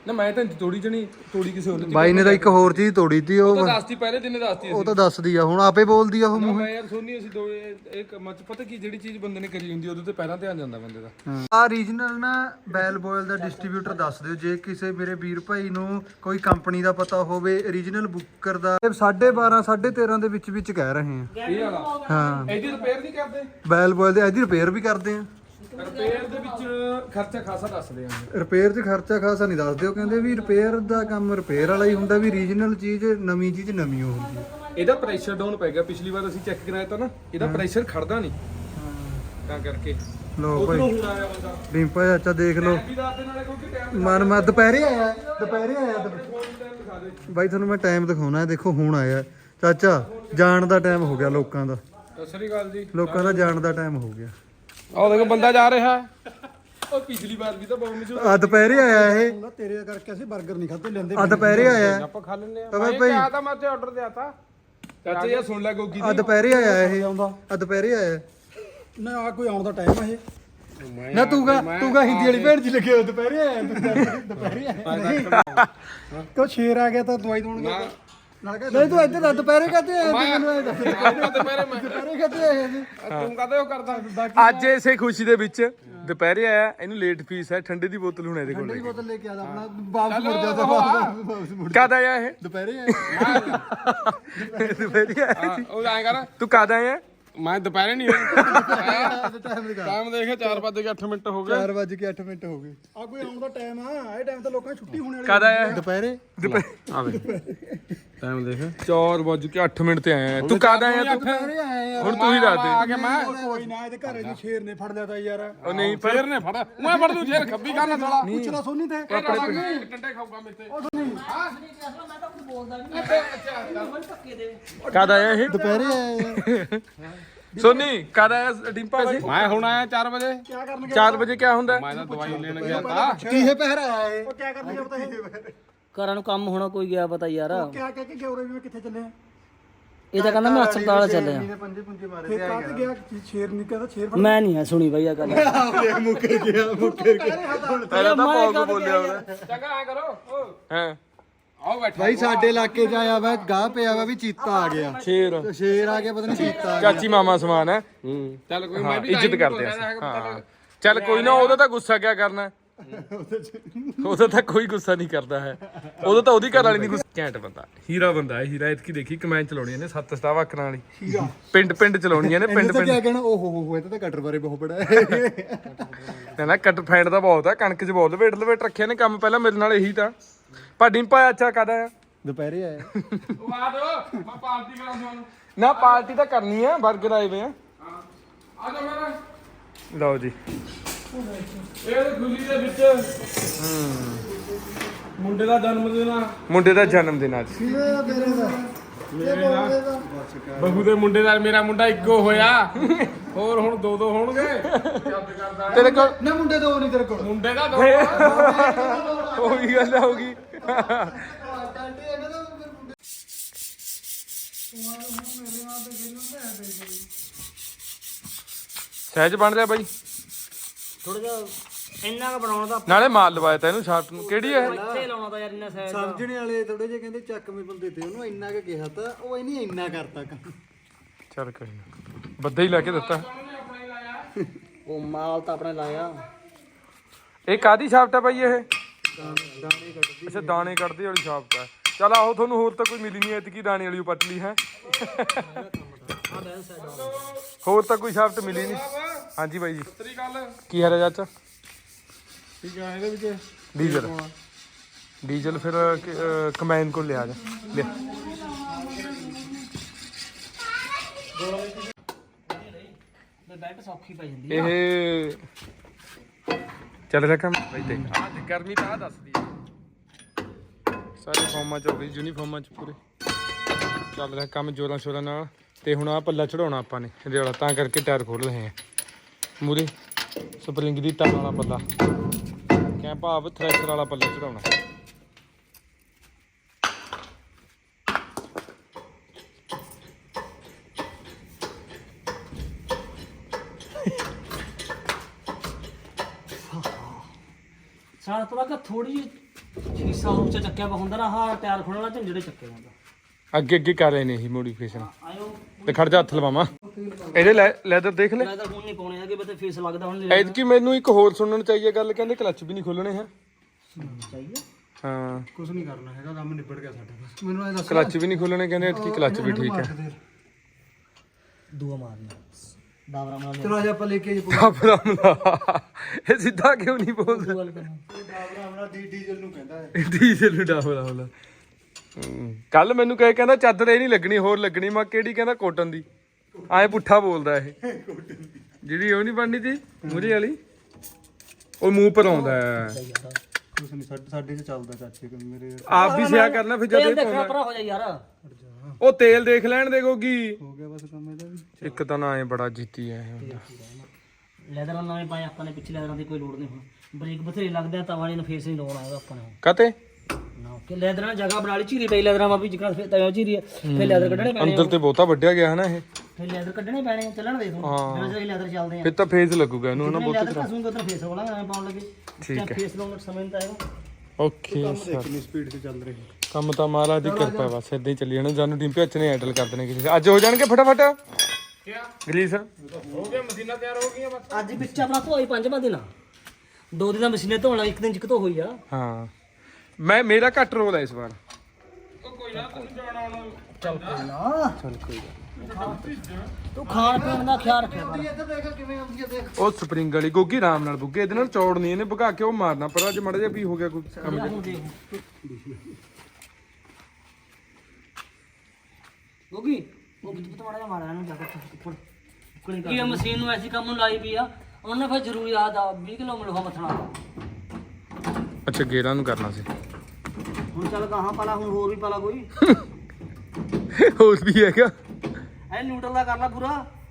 Speaker 2: ਨਾ ਮੈਂ ਤਾਂ ਤੋੜੀ ਜਣੀ ਤੋੜੀ ਕਿਸੇ ਹੋਰ ਨੇ
Speaker 1: ਬਾਈ ਨੇ ਤਾਂ ਇੱਕ ਹੋਰ ਚੀਜ਼ ਤੋੜੀ ਤੀ ਉਹ
Speaker 2: ਉਹ ਦੱਸਤੀ ਪਹਿਲੇ ਦਿਨੇ ਦੱਸਤੀ
Speaker 1: ਉਹ ਤਾਂ ਦੱਸਦੀ ਆ ਹੁਣ ਆਪੇ ਬੋਲਦੀ ਆ ਉਹ
Speaker 2: ਨਾ
Speaker 1: ਮੂੰਹ
Speaker 2: ਮੈਂ ਯਾਰ ਸੋਨੀ ਅਸੀਂ ਦੋ ਇਹ ਕੰਮਾਂ ਚ ਪਤਾ ਕੀ ਜਿਹੜੀ ਚੀਜ਼ ਬੰਦੇ ਨੇ ਕਰੀ ਹੁੰਦੀ ਉਹਦੇ ਤੇ ਪਹਿਲਾਂ ਧਿਆਨ ਜਾਂਦਾ ਬੰਦੇ ਦਾ।
Speaker 1: ਆ ਰੀਜਨਲ ਨਾ ਬੈਲ ਬੋਇਲ ਦਾ ਡਿਸਟ੍ਰੀਬਿਊਟਰ ਦੱਸ ਦਿਓ ਜੇ ਕਿਸੇ ਮੇਰੇ ਵੀਰ ਭਾਈ ਨੂੰ ਕੋਈ ਕੰਪਨੀ ਦਾ ਪਤਾ ਹੋਵੇ ਰੀਜਨਲ ਬੁੱਕਰ ਦਾ ਸਾਢੇ ਬਾਰਾਂ ਸਾਢੇ ਤੇਰਾਂ ਦੇ ਵਿੱਚ ਵਿੱਚ ਕਹਿ ਰਹੇ ਆ
Speaker 2: ਇਹ ਵਾਲਾ
Speaker 1: ਹਾਂ
Speaker 2: ਇਹਦੀ ਰਿਪੇਅਰ ਨਹੀਂ ਕਰਦੇ
Speaker 1: ਬੈਲ ਬੋਇਲ ਦੇ ਇਹਦੀ ਰਿਪੇਅਰ ਵੀ ਕਰਦੇ ਆ
Speaker 2: ਰਿਪੇਅਰ ਦੇ ਵਿੱਚ ਖਰਚਾ ਖਾਸਾ ਦੱਸਦੇ ਆ
Speaker 1: ਰਿਪੇਅਰ 'ਚ ਖਰਚਾ ਖਾਸਾ ਨਹੀਂ ਦੱਸਦੇ ਉਹ ਕਹਿੰਦੇ ਵੀ ਰਿਪੇਅਰ ਦਾ ਕੰਮ ਰਿਪੇਅਰ ਵਾਲਾ ਹੀ ਹੁੰਦਾ ਵੀ ਰੀਜਨਲ ਚੀਜ਼ ਨਵੀਂ ਚੀਜ਼ ਨਵੀਂ ਹੋ ਹੁੰਦੀ ਹੈ।
Speaker 2: ਇਹਦਾ ਪ੍ਰੈਸ਼ਰ ਡਾਊਨ ਪੈ ਗਿਆ ਪਿਛਲੀ ਵਾਰ ਅਸੀਂ ਚੈੱਕ ਕਰਾਇਆ ਤਾਂ ਨਾ ਇਹਦਾ ਪ੍ਰੈਸ਼ਰ ਖੜਦਾ ਨਹੀਂ ਤਾਂ ਕਰਕੇ
Speaker 1: ਲੋ ਭਾਈ
Speaker 2: ਉਧਰੋਂ ਹੁਣ ਆਇਆ ਬੰਦਾ
Speaker 1: ਡਿੰਪਾ ਚਾਚਾ ਦੇਖ ਲਓ
Speaker 2: ਵੀ ਦੱਸ ਦੇ ਨਾਲੇ ਕਿਉਂਕਿ ਟਾਈਮ
Speaker 1: ਮਨ ਮੈਂ ਦੁਪਹਿਰੇ ਆਇਆ ਦੁਪਹਿਰੇ ਆਇਆ ਦੁਪ-
Speaker 2: ਟਾਈਮ ਦਿਖਾ ਦੇ
Speaker 1: ਬਾਈ ਤੁਹਾਨੂੰ ਮੈਂ ਟਾਈਮ ਦਿਖਾਉਣਾ ਹੈ ਦੇਖੋ ਹੁਣ ਆਇਆ ਚਾਚਾ ਜਾਣ ਦਾ ਟਾਈਮ ਹੋ ਗਿਆ ਲੋਕਾਂ ਦਾ
Speaker 2: ਸਤਿ ਸ੍ਰੀ ਅਕਾਲ ਜੀ
Speaker 1: ਲੋਕਾਂ ਦਾ ਜਾਣ ਦਾ ਟਾਈਮ ਹੋ ਗਿਆ
Speaker 2: ਆਹ ਦੇਖੋ ਬੰਦਾ ਜਾ ਰਿਹਾ ਉਹ ਪਿਛਲੀ ਵਾਰ ਵੀ ਤਾਂ ਬਹੁਤ ਮਸ਼ਹੂਰ
Speaker 1: ਆ ਦੁਪਹਿਰੇ ਆਇਆ ਇਹ
Speaker 5: ਤੇਰੇ ਕਰਕੇ ਅਸੀਂ 버ਗਰ ਨਹੀਂ ਖਾਦੇ ਲੈਂਦੇ
Speaker 1: ਆ ਦੁਪਹਿਰੇ ਆਇਆ
Speaker 2: ਆਪਾਂ ਖਾ ਲੈਂਦੇ ਆ
Speaker 1: ਤਾਂ ਭਾਈ
Speaker 2: ਤਾਂ ਮੈਂ ਤੇ ਆਰਡਰ ਦਿਆ ਤਾ ਚਾਚਾ ਯਾਰ ਸੁਣ ਲੈ ਗੋਗੀ
Speaker 1: ਆ ਦੁਪਹਿਰੇ ਆਇਆ ਇਹ ਆ ਦੁਪਹਿਰੇ ਆਇਆ
Speaker 5: ਨਾ ਆ ਕੋਈ ਆਉਣ ਦਾ ਟਾਈਮ ਆ ਇਹ
Speaker 1: ਨਾ ਤੂੰ ਗਾ ਤੂੰ ਗਾ ਹਿੰਦੀ ਵਾਲੀ ਭੈਣ ਜੀ ਲੱਗੇ ਦੁਪਹਿਰੇ ਆਇਆ ਦੁਪਹਿਰੇ ਆਇਆ
Speaker 5: ਕਿਉਂ ਸ਼ੇਰ ਆ ਗਿਆ ਤਾਂ ਦਵਾਈ ਦਵਾਉਣਗੇ ਨਾਲ ਕਹਿੰਦੇ
Speaker 1: ਨਹੀਂ ਤੂੰ ਇੱਧਰ ਦੁਪਹਿਰੇ ਕਹਤੇ ਆਇਆ ਤੂੰ ਮੈਨੂੰ ਇਹ ਦੱਸ
Speaker 2: ਦੁਪਹਿਰੇ ਮੈਂ
Speaker 1: ਦੁਪਹਿਰੇ ਕਹਤੇ ਆਇਆ ਸੀ
Speaker 2: ਤੂੰ ਕਹਦੇ ਉਹ ਕਰਦਾ
Speaker 3: ਅੱਜ ਇਸੇ ਖੁਸ਼ੀ ਦੇ ਵਿੱਚ ਦੁਪਹਿਰੇ ਆਇਆ ਇਹਨੂੰ ਲੇਟ ਫੀਸ ਹੈ ਠੰਡੇ ਦੀ ਬੋਤਲ ਹੁਣ ਇਹਦੇ ਕੋਲ
Speaker 1: ਬੋਤਲ ਲੈ ਕੇ ਆਦਾ ਆਪਣਾ ਵਾਪਸ ਮੁੜ ਜਾ ਤਾ ਵਾਪਸ ਮੁੜ
Speaker 3: ਕਦ ਆਇਆ ਇਹ
Speaker 1: ਦੁਪਹਿਰੇ ਆਇਆ
Speaker 3: ਦੁਪਹਿਰੇ ਆਇਆ
Speaker 2: ਉਹ ਐਂ ਕਰ
Speaker 3: ਤੂੰ ਕਦ ਆਇਆ
Speaker 2: ਮੈਂ ਦੁਪਹਿਰੇ ਨਹੀਂ ਆਇਆ
Speaker 1: ਟਾਈਮ ਦਿਖਾ
Speaker 2: ਟਾਈਮ ਦੇਖੇ ਚਾਰ ਵੱਜ ਕੇ ਅੱਠ ਮਿੰਟ ਹੋ ਗਏ
Speaker 1: ਚਾਰ ਵੱਜ ਕੇ ਅੱਠ ਮਿੰਟ ਹੋ ਗਏ
Speaker 5: ਆ ਕੋਈ ਆਉਣ ਦਾ ਟਾਈਮ ਆ ਇਹ ਟਾਈਮ ਤਾਂ ਲੋਕਾਂ ਦੀ ਛੁੱਟੀ ਹੋਣ ਵਾਲੀ
Speaker 3: ਕਦ ਆਇਆ ਇਹ?
Speaker 1: ਦੁਪਹਿਰੇ
Speaker 2: ਆਵੇ ਟਾਈਮ ਦੇਖ
Speaker 3: ਚਾਰ ਵੱਜ ਕੇ ਅੱਠ ਮਿੰਟ ਤੇ ਆਇਆ ਤੂੰ ਕਦ ਆਇਆ ਤੂੰ
Speaker 1: ਦੁਪਹਿਰੇ ਆਇਆ ਯਾਰ
Speaker 3: ਹੁਣ ਤੂੰ ਹੀ ਦੱਸ
Speaker 2: ਆ
Speaker 3: ਦੇ
Speaker 2: ਕੇ ਮੈਂ
Speaker 5: ਕੋਈ ਨਾ ਇਹਦੇ ਘਰੇ ਦੀ ਸ਼ੇਰ ਨੇ ਫੜ ਲਿਆ ਤਾਂ ਯਾਰ
Speaker 3: ਉਹ ਨਹੀਂ ਪਰ
Speaker 2: ਫੇਰ ਨੇ ਫੜ ਮੈਂ ਫੜ ਦੂੰ ਫੇਰ ਖੱਬੀ ਕਰਨਾ ਥੋੜਾ
Speaker 5: ਪੁੱਛਣਾ ਸੋਨੀ ਤੇ
Speaker 2: ਟੰਡੇ ਖਾਊਗਾ ਮੇਤੇ
Speaker 4: ਮੈਂ ਤਾਂ ਕੁਝ ਬੋਲਦਾ ਵੀ ਨਹੀਂ ਮੈਨੂੰ ਧੱਕੇ ਦੇ
Speaker 3: ਕਦ ਆਇਆ ਇਹ
Speaker 1: ਦੁਪਹਿਰੇ ਆਇਆ ਯਾਰ
Speaker 3: ਸੋਨੀ ਕਦ ਆਇਆ ਡਿੰਪਾ ਸੀ
Speaker 2: ਮੈਂ ਹੁਣ ਆਇਆ ਚਾਰ ਵਜੇ
Speaker 3: ਚਾਰ ਵਜੇ ਕੀ ਹੁੰਦਾ
Speaker 2: ਮੈਂ ਤਾਂ ਦਵਾਈ ਲੈਣ ਗਿਆ ਤਾਂ
Speaker 1: ਕੀਹੇ ਪਹਿਰ ਆਇਆ ਇਹ
Speaker 5: ਉਹ ਕਿਆ ਕਰਨੀ ਪਤਾ ਇਹ
Speaker 4: ਘਰਾਂ ਨੂੰ ਕੰਮ ਹੋਣਾ ਕੋਈ ਗਿਆ ਪਤਾ ਯਾਰ
Speaker 5: ਕਿਆ ਕਹਿ ਕੇ ਗਿਓਰੇ ਵੀ ਕਿੱਥੇ ਚੱਲੇ ਆ
Speaker 4: ਇਹ ਤਾਂ ਕਹਿੰਦਾ ਮੈਂ ਹਸਪਤਾਲ ਚੱਲਿਆ
Speaker 1: ਨੇ ਪੰਜੇ ਪੁੰਜੇ ਮਾਰੇ
Speaker 5: ਫੇਰ ਕਾਹ ਤੇ ਗਿਆ ਸ਼ੇਰ ਨਹੀਂ ਕਹਿੰਦਾ ਸ਼ੇਰ ਫੜ
Speaker 4: ਮੈਂ ਨਹੀਂ ਆ ਸੁਣੀ ਬਈ ਆ ਗੱਲ
Speaker 1: ਮੁੱਕਰ ਗਿਆ ਮੁੱਕਰ ਗਿਆ
Speaker 3: ਪਹਿਲਾਂ ਤਾਂ ਬਹੁਤ ਬੋਲਿਆ ਉਹਨੇ
Speaker 2: ਚੰਗਾ ਐ ਕਰੋ ਓ
Speaker 3: ਹਾਂ
Speaker 2: ਆਓ ਬੈਠੋ
Speaker 1: ਭਾਈ ਸਾਡੇ ਇਲਾਕੇ 'ਚ ਆਇਆ ਵਾ ਗਾਹ ਪਿਆ ਵਾ ਵੀ ਚੀਤਾ ਆ ਗਿਆ
Speaker 3: ਸ਼ੇਰ
Speaker 1: ਤੇ ਸ਼ੇਰ ਆ ਗਿਆ ਪਤਾ ਨਹੀਂ ਚੀਤਾ ਆ ਗਿਆ
Speaker 3: ਚਾਚੀ ਮਾਮਾ ਸਮਾਨ ਹੈ
Speaker 2: ਚੱਲ ਕੋਈ
Speaker 3: ਹਾਂ
Speaker 2: ਮੈਂ ਵੀ
Speaker 3: ਇੱਜ਼ਤ ਕਰਦੇ ਆ ਹਾਂ ਚੱਲ ਕੋਈ ਨਾ ਉਹਦਾ ਤਾਂ ਗੁੱਸਾ ਕਿਆ ਕਰਨਾ ਉਹਦਾ ਤਾਂ ਕੋਈ ਗੁੱਸਾ ਨਹੀਂ ਕਰਦਾ ਹੈ ਉਹਦਾ ਤਾਂ ਉਹਦੀ ਘਰ ਵਾਲੀ ਨਹੀਂ ਗੁੱਸਾ ਘੈਂਟ ਬੰਦਾ ਹੀਰਾ ਬੰਦਾ ਹੈ ਹੀਰਾ ਇਤਕੀ ਦੇਖੀ ਕਮੈਨ ਚਲਾਉਣੀ ਇਹਨੇ ਸੱਤ ਸਟਾਵਾ ਅੱਖਰਾਂ ਵਾਲੀ
Speaker 1: ਹੀਰਾ
Speaker 3: ਪਿੰਡ ਪਿੰਡ ਚਲਾਉਣੀਆਂ ਨੇ ਪਿੰਡ
Speaker 1: ਤਾਂ
Speaker 3: ਪਿੰਡ
Speaker 1: ਕਿਆ ਕਹਿਣਾ ਓ ਹੋ ਹੋ ਇਹ ਤਾਂ ਕਟਰ ਬਾਰੇ ਬਹੁਤ ਬੜਾ ਹੈ
Speaker 3: ਕਹਿੰਦਾ ਕੱਟ ਫੈਂਡ ਦਾ ਬਹੁਤ ਆ ਕਣਕ 'ਚ ਬਹੁਤ ਲਵੇਟ ਲਵੇਟ ਰੱਖਿਆ ਨੇ ਕੰਮ ਪਹਿਲਾਂ ਮੇਰੇ ਨਾਲ ਇਹੀ ਤਾਂ ਪਰ ਡਿੰਪਾ ਅੱਛਾ ਕਦਾ ਆ
Speaker 1: ਦੁਪਹਿਰੇ ਆਇਆ
Speaker 2: ਉਹ ਆ ਦੋ ਮੈਂ ਪਾਰਟੀ ਕਰਾਂ ਤੁਹਾਨੂੰ
Speaker 3: ਨਾ ਪਾਰਟੀ ਤਾਂ ਕਰਨੀ ਆ 버ਗਰ ਆਏ ਵੇ ਆ
Speaker 2: ਆ ਜਾ ਮੇਰਾ
Speaker 3: ਲਓ ਜੀ
Speaker 2: ਇਹ ਖੁਸ਼ੀ ਦੇ ਵਿੱਚ ਮੁੰਡੇ ਦਾ ਜਨਮ ਦਿਨ ਆ
Speaker 3: ਮੁੰਡੇ ਦਾ ਜਨਮ ਦਿਨ ਅੱਜ
Speaker 2: ਮੇਰੇ ਦਾ ਬਹੂ ਦੇ ਮੁੰਡੇ ਦਾ ਮੇਰਾ ਮੁੰਡਾ ਇੱਕੋ ਹੋਇਆ ਹੋਰ ਹੁਣ ਦੋ ਦੋ ਹੋਣਗੇ
Speaker 3: ਤੇਰੇ ਕੋਲ
Speaker 1: ਨਾ ਮੁੰਡੇ ਦੋ ਨਹੀਂ ਤੇਰੇ ਕੋਲ
Speaker 2: ਮੁੰਡੇ ਦਾ ਦੋ
Speaker 3: ਉਹੀ ਗੱਲ ਹੋ ਗਈ ਸਹਿਜ ਬਣ ਲਿਆ ਬਾਈ
Speaker 4: ਥੋੜਾ ਜਿਹਾ ਇੰਨਾ ਕ ਬਣਾਉਣਾ ਤਾਂ
Speaker 3: ਨਾਲੇ ਮਾਲ ਲਵਾਇਆ ਤਾ ਇਹਨੂੰ ਸ਼ਾਰਟ ਨੂੰ ਕਿਹੜੀ ਹੈ
Speaker 4: ਇੱਥੇ ਲਾਉਣਾ ਤਾਂ ਯਾਰ ਇੰਨਾ ਸਾਈਜ਼ ਦਾ
Speaker 1: ਸਮਝਣੇ ਵਾਲੇ ਥੋੜੇ ਜਿਹੇ ਕਹਿੰਦੇ ਚੱਕਵੇਂ ਬੰਦੇ ਤੇ ਉਹਨੂੰ ਇੰਨਾ ਕੁ ਕਿਹਾ ਤਾਂ ਉਹ ਇਹਨੇ ਇੰਨਾ ਕਰਤਾ ਕੰਮ
Speaker 3: ਚੱਲ ਕੋਈ ਨਾ ਬੱਦਾ ਹੀ ਲੈ ਕੇ ਦਿੱਤਾ
Speaker 4: ਉਹ ਮਾਲ ਤਾਂ ਆਪਣੇ ਲਾਇਆ
Speaker 3: ਇਹ ਕਾਦੀ ਸ਼ਾਫਟ ਹੈ ਬਾਈ ਇਹ ਅੱਛਾ ਦਾਣੇ ਕੱਢਦੇ ਵਾਲੀ ਸ਼ਾਫਟ ਹੈ ਚਲ ਆਹੋ ਤੁਹਾਨੂੰ ਹੋਰ ਤਾਂ ਕੋਈ ਮਿਲੀ ਨਹੀਂ ਐਤਕੀ ਦਾਣੇ ਵਾਲੀ ਓ ਪੱਟ ਲਈ ਹੈ ਹੋਰ ਤਾਂ ਕੋਈ ਸ਼ਾਫਟ ਮਿਲੀ ਨਹੀਂ ਹਾਂਜੀ ਬਾਈ ਜੀ
Speaker 2: ਤੇਰੀ ਗੱਲ
Speaker 3: ਕੀ ਹਾਲ ਹੈ ਚਾਚਾ
Speaker 2: ਠੀਕ ਆ ਇਹਦੇ ਵਿੱਚ
Speaker 3: ਡੀਜ਼ਲ ਡੀਜ਼ਲ ਫਿਰ ਕੰਬਾਈਨ ਕੋਲ ਲਿਆ ਜਾ ਲਿਆ
Speaker 4: ਬੈਲਟ ਸੌਖੀ ਪੈ ਜਾਂਦੀ
Speaker 3: ਇਹ ਚੱਲ ਰਿਹਾ ਕੰਮ ਬਾਈ ਤੇ ਆ ਗਰਮੀ ਤਾਂ ਆ ਦੱਸਦੀ ਹੈ ਸਾਰੇ ਫਾਰਮਾਂ ਚ ਹੋ ਗਈ ਯੂਨੀਫਾਰਮਾਂ ਚ ਪੂਰੇ ਚੱਲ ਰਿਹਾ ਕੰਮ ਜੋਰਾਂ ਸ਼ੋਰਾਂ ਨਾਲ ਤੇ ਹੁਣ ਆ ਪੱਲਾ ਚੜਾਉਣਾ ਆਪਾਂ ਨੇ ਇਹਦੇ ਵਾਲਾ ਤਾਂ ਕਰਕੇ ਟਾਇਰ ਖੋਲ ਰਹੇ ਆ ਮੂਰੇ ਸਪਰਿੰਗ ਦੀ ਤਾਰ ਵਾਲਾ ਪੱਲਾ ਕਹਿ ਭਾਵ ਥ੍ਰੈਸ਼ਰ ਵਾਲਾ ਪੱਲਾ ਚੜਾਉਣਾ
Speaker 4: ਸਾਲ ਤੋਂ ਬਾਅਦ ਥੋੜੀ ਜਿਹੀ ਹਿੱਸਾ ਉੱਚਾ ਚੱਕਿਆ ਵਾ ਹੁੰਦਾ ਨਾ ਆਹ ਟਾਇਰ ਖੋਲਣ ਵਾਲਾ ਝੰਜੜੇ ਚੱਕਿਆ ਜਾਂਦਾ
Speaker 3: ਅੱਗੇ ਅੱਗੇ ਕਰ ਰਹੇ ਨੇ ਇਹ ਮੋਡੀਫਿਕੇਸ਼ਨ
Speaker 4: ਆਇਓ
Speaker 3: ਤੇ ਖੜ ਜਾ ਹੱਥ ਲਵਾਵਾਂ ਇਹਦੇ ਲੈਦਰ ਦੇਖ ਲੈ
Speaker 4: ਮੈਂ ਤਾਂ ਹੁਣ ਨਹੀਂ ਪਾਉਣੇ ਹੈਗੇ ਬਤੇ ਫੇਸ ਲੱਗਦਾ ਹੁਣ
Speaker 3: ਐਤਕੀ ਮੈਨੂੰ ਇੱਕ ਹੋਰ ਸੁਣਨ ਚਾਹੀਏ ਗੱਲ ਕਹਿੰਦੇ ਕਲੱਚ ਵੀ ਨਹੀਂ ਖੋਲਣੇ ਹੈ
Speaker 4: ਚਾਹੀਏ
Speaker 3: ਹਾਂ
Speaker 5: ਕੁਝ ਨਹੀਂ ਕਰਨਾ ਹੈਗਾ ਕੰਮ ਨਿਬੜ ਗਿਆ ਸਾਡਾ ਬਸ ਮੈਨੂੰ ਇਹ ਦੱਸ
Speaker 3: ਕਲੱਚ ਵੀ ਨਹੀਂ ਖੋਲਣੇ ਕਹਿੰਦੇ ਐਤਕੀ ਕਲੱਚ ਵੀ ਠੀਕ ਹੈ
Speaker 4: ਦੂਆ ਮਾਰਨਾ ਦਾਵਰਾ ਮਾਰ
Speaker 5: ਚਲੋ ਅੱਜ ਆਪਾਂ ਲੈ ਕੇ ਆਈਏ
Speaker 3: ਕਾਬਰਾ ਮਲਾ ਇਹ ਸਿੱਧਾ ਕਿਉਂ ਨਹੀਂ ਬੋਲਦਾ
Speaker 4: ਗੱਲ ਕਰਨਾ
Speaker 5: ਡਾਬਰਾ ਆਪਣਾ ਡੀ ਡੀਜ਼ਲ ਨੂੰ ਕਹਿੰਦਾ ਹੈ
Speaker 3: ਡੀਜ਼ਲ ਨੂੰ ਡਾਬਰਾ ਮਲਾ ਕੱਲ ਮੈਨੂੰ ਕਹੇ ਕਹਿੰਦਾ ਚਾਦਰ ਇਹ ਨਹੀਂ ਲੱਗਣੀ ਹੋਰ ਲੱਗਣੀ ਮੈਂ ਕਿਹੜੀ ਕਹਿੰਦਾ ਕੋਟਨ ਦੀ ਐ ਪੁੱਠਾ ਬੋਲਦਾ ਇਹ ਜਿਹੜੀ ਉਹ ਨਹੀਂ ਬਣਨੀ ਸੀ ਮੂਰੀ ਵਾਲੀ ਉਹ ਮੂੰਹ ਪਰ ਆਉਂਦਾ ਹੈ
Speaker 5: ਕੁਝ ਨਹੀਂ ਸਾਡੇ ਸਾਡੇ ਚ ਚੱਲਦਾ ਚਾਚੇ ਕੋਲ ਮੇਰੇ
Speaker 3: ਆਪ ਵੀ ਸਿਆ ਕਰਨਾ ਫਿਰ ਜਦੋਂ
Speaker 4: ਤੇਲ
Speaker 3: ਇਹ
Speaker 4: ਦੇਖਣਾ
Speaker 3: ਪਾਉਂਦਾ
Speaker 4: ਪਰਾ ਹੋ ਜਾ ਯਾਰ
Speaker 3: ਉਹ ਤੇਲ ਦੇਖ ਲੈਣ ਦੇ ਗੋਗੀ
Speaker 5: ਹੋ ਗਿਆ ਬਸ ਕੰਮ ਇਹਦਾ ਵੀ
Speaker 3: ਇੱਕ ਤਾਂ ਨਾ ਐ ਬੜਾ ਜੀਤੀ ਐ ਇਹ ਹੁੰਦਾ
Speaker 4: ਲੈਦਰ ਨਵੇਂ ਪਾਏ ਆਪਾਂ ਨੇ ਪਿੱਛੇ ਲੈਦਰਾਂ ਦੀ ਕੋਈ ਲੋੜ ਨਹੀਂ ਹੁਣ ਬ੍ਰੇਕ ਬਥੇਰੇ ਲੱਗਦੇ ਆ ਤਾਂ ਵਾਲੀ ਨੂੰ ਫੇਸ ਨਹੀਂ ਲਾਉਣਾ ਹੈਗਾ ਆਪਾਂ ਨੇ
Speaker 3: ਕਾਤੇ
Speaker 4: ਨਾ ਕਿ ਲੈਦਰਾਂ ਨਾਲ ਜਗ੍ਹਾ ਬਣਾ ਲਈ ਝੀਰੀ ਪਈ ਲੈਦਰਾਂ ਮਾ ਵੀ ਜਿਕਣਾ ਫੇਰ ਤਾਂ ਝੀਰੀ ਫੇਰ ਲੈਦਰ ਕੱਢਣੇ ਪੈਣੇ
Speaker 3: ਅੰਦਰ ਤੇ ਬਹੁਤਾ ਵੱਢਿਆ ਗਿਆ ਹਨਾ ਇਹ
Speaker 4: ਫੇਰ ਲੈਦਰ ਕੱਢਣੇ ਪੈਣੇ ਚੱਲਣ ਦੇ ਤੂੰ ਜਦੋਂ ਅਸੀਂ ਲੈਦਰ ਚੱਲਦੇ ਆ
Speaker 3: ਫਿਰ ਤਾਂ ਫੇਸ ਲੱਗੂਗਾ ਇਹਨੂੰ ਹਨਾ ਬਹੁਤ
Speaker 4: ਲੈਦਰ ਘਸੂਗਾ ਤਾਂ ਫੇਸ ਹੋਣਾ ਐਵੇਂ ਪਾਉਣ ਲੱਗੇ
Speaker 3: ਠੀਕ ਹੈ।
Speaker 4: ਫੇਸ ਲਾਉਣ ਦਾ ਸਮੇਂ ਤਾਂ ਹੈਗਾ
Speaker 3: ਓਕੇ ਸਰ
Speaker 5: ਕਿੰਨੀ ਸਪੀਡ ਤੇ ਚੱਲ ਰਹੀ
Speaker 3: ਕੰਮ ਤਾਂ ਮਹਾਰਾਜ ਦੀ ਕਿਰਪਾ ਬਸ ਏਦਾਂ ਹੀ ਚੱਲੀ ਜਾਣਾ ਜਾਨੂੰ ਟੀਮ ਭੱਚ ਨੇ ਹੈਂਡਲ ਕਰ ਦੇਣੇ ਕਿਸੇ ਅੱਜ ਹੋ ਜਾਣਗੇ ਫਟਾਫਟ ਕਿਆ ਗਲੀਸ
Speaker 2: ਹੋ ਗਿਆ ਮਸ਼ੀਨਾਂ ਤਿਆਰ ਹੋ ਗਈਆਂ ਬਸ
Speaker 4: ਅੱਜ ਵਿੱਚ ਆਪਣਾ ਧੋਈ ਪੰਜਵਾਂ ਦਿਨ ਆ ਦੋ ਦਿਨਾਂ ਮਸ਼ੀਨੇ ਧੋਣਾ ਇੱਕ ਦਿਨ ਚ ਕਿਤੋਂ ਹੋਈ ਆ
Speaker 3: ਹਾਂ ਮੈਂ ਮੇਰਾ ਘੱਟ ਰੋਲ ਹੈ ਇਸ ਵਾਰ
Speaker 2: ਉਹ ਕੋਈ ਨਾ ਤੁਸੀਂ ਜਾਣਾ ਹੁਣ
Speaker 4: ਚੱਲ ਕੋਈ ਨਾ
Speaker 3: ਚਲ ਕੋਈ
Speaker 4: ਤੂੰ ਖਾਣ ਪੀਣ ਦਾ ਖਿਆਲ ਰੱਖਿਆ ਕਰ
Speaker 5: ਇੱਧਰ ਦੇਖ ਕਿਵੇਂ ਆਉਂਦੀ ਹੈ ਦੇਖ
Speaker 3: ਉਹ ਸਪਰਿੰਗ ਵਾਲੀ ਗੋਗੀ ਆਰਾਮ ਨਾਲ ਬੁੱਗੇ ਇਹਦੇ ਨਾਲ ਚੌੜ ਨਹੀਂ ਇਹਨੇ ਭਗਾ ਕੇ ਉਹ ਮਾਰਨਾ ਪਰ ਅੱਜ ਮੜਾ ਜਿਹਾ ਵੀ ਹੋ ਗਿਆ ਕੋਈ ਕੰਮ
Speaker 4: ਹੁਣ ਦੇਖ ਗੋਗੀ ਉਹ ਕਿਤੇ ਮਾੜਾ ਜਿਹਾ ਮਾਰਿਆ ਇਹਨੂੰ ਜਾ ਕੇ ਉੱਪਰ ਕੁੜੀ ਕੀ ਆ ਮਸ਼ੀਨ ਨੂੰ ਐਸੀ ਕੰਮ ਨੂੰ ਲਾਈ ਵੀ ਆ ਉਹਨੇ ਫਿਰ ਜ਼ਰੂਰੀ ਯਾਦ ਆ ਵੀਹ ਕਿਲੋ ਲੋਹਾ ਮਥਣਾ
Speaker 3: ਅੱਛਾ ਗੇਰਾਂ ਨੂੰ ਕਰਨਾ ਸੀ
Speaker 4: ਹੁਣ ਚੱਲ ਕਹਾਂ ਪਾਲਾ ਹੁਣ ਹੋਰ ਵੀ ਪਾਲਾ ਕੋਈ
Speaker 3: ਹੋਰ ਵੀ ਹੈਗਾ
Speaker 4: ਐ ਨਿਊਟਰਲ ਦਾ ਕਰ ਲਾ ਪੂਰਾ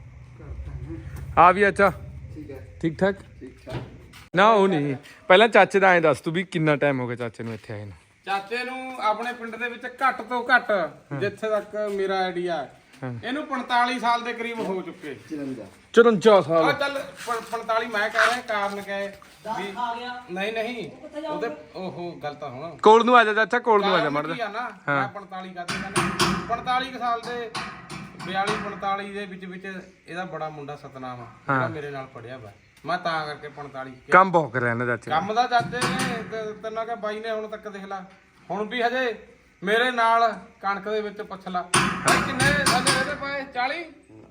Speaker 3: ਆ ਵੀ ਅੱਛਾ
Speaker 5: ਠੀਕ ਹੈ
Speaker 3: ਠੀਕ ਠਾਕ
Speaker 5: ਠੀਕ ਠਾਕ
Speaker 3: ਨਾ ਉਹ ਨਹੀਂ ਪਹਿਲਾਂ ਚਾਚੇ ਦਾ ਐਂ ਦੱਸ ਤੂੰ ਵੀ ਕਿੰਨਾ ਟਾਈਮ ਹੋ ਗਿਆ ਚਾਚੇ ਨੂੰ ਇੱਥੇ ਆਏ ਨੂੰ
Speaker 2: ਚਾਚੇ ਨੂੰ ਆਪਣੇ ਪਿੰਡ ਦੇ ਵਿੱਚ ਘੱਟ ਤੋਂ ਘੱਟ ਜਿੱਥੇ ਤੱਕ ਮੇਰਾ ਆਈਡੀਆ ਹੈ ਇਹਨੂੰ ਪੰਤਾਲੀ ਸਾਲ ਦੇ ਕਰੀਬ ਹੋ ਚੁੱਕੇ
Speaker 5: ਚਲੰਜਾ
Speaker 3: ਚੁਰੰਜਾ
Speaker 2: ਆ
Speaker 3: ਸਾਲ
Speaker 2: ਚੱਲ ਪ- ਪੰਤਾਲੀ ਮੈਂ ਕਹਿ ਰਿਹਾ ਕਾਰਨ ਕਹੇ ਵੀ
Speaker 4: ਆ ਗਿਆ
Speaker 2: ਨਹੀਂ ਨਹੀਂ ਉਹਦੇ ਓਹੋ ਗੱਲ ਤਾਂ ਹੁਣ
Speaker 3: ਕੋਲ ਨੂੰ ਆ ਜਾ ਚਾਚਾ ਕੋਲ ਨੂੰ ਆ ਜਾ
Speaker 2: ਕਾਰਨ
Speaker 3: ਮੜ
Speaker 2: ਕੀ ਆ ਨਾ ਮੈਂ ਪੰਤਾਲੀ ਕਰਦੇ ਕਹਿੰਦਾ ਪੰਤਾਲੀ ਕੁ ਸਾਲ ਦੇ ਬਿਆਲੀ ਪੰਤਾਲੀ ਦੇ ਵਿੱਚ ਵਿੱਚ ਇਹਦਾ ਬੜਾ ਮੁੰਡਾ ਸਤਨਾਮ ਆ ਜਿਹੜਾ ਮੇਰੇ ਨਾਲ ਪੜਿਆ ਵਾ ਮੈਂ ਤਾਂ ਕਰਕੇ ਪੰਤਾਲੀ
Speaker 3: ਕੰਮ ਬਹੁਤ ਕਰ ਰਿਹਾ ਨਾ ਚਾਚੇ ਨੇ।
Speaker 2: ਕੰਮ ਦਾ ਚਾਚੇ ਨੇ ਤੇ ਤੈਨਾਂ ਕਿ ਬਾਈ ਨੇ ਹੁਣ ਤੱਕ ਦੇਖ ਲਾ ਹੁਣ ਵੀ ਹਜੇ ਮੇਰੇ ਨਾਲ ਕਣਕ ਦੇ ਵਿੱਚ ਪੁੱਛ ਲਾ ਬਾਈ ਕਿੰਨੇ ਥੱਲੇ ਇਹਦੇ ਪਾਏ ਚਾਲੀ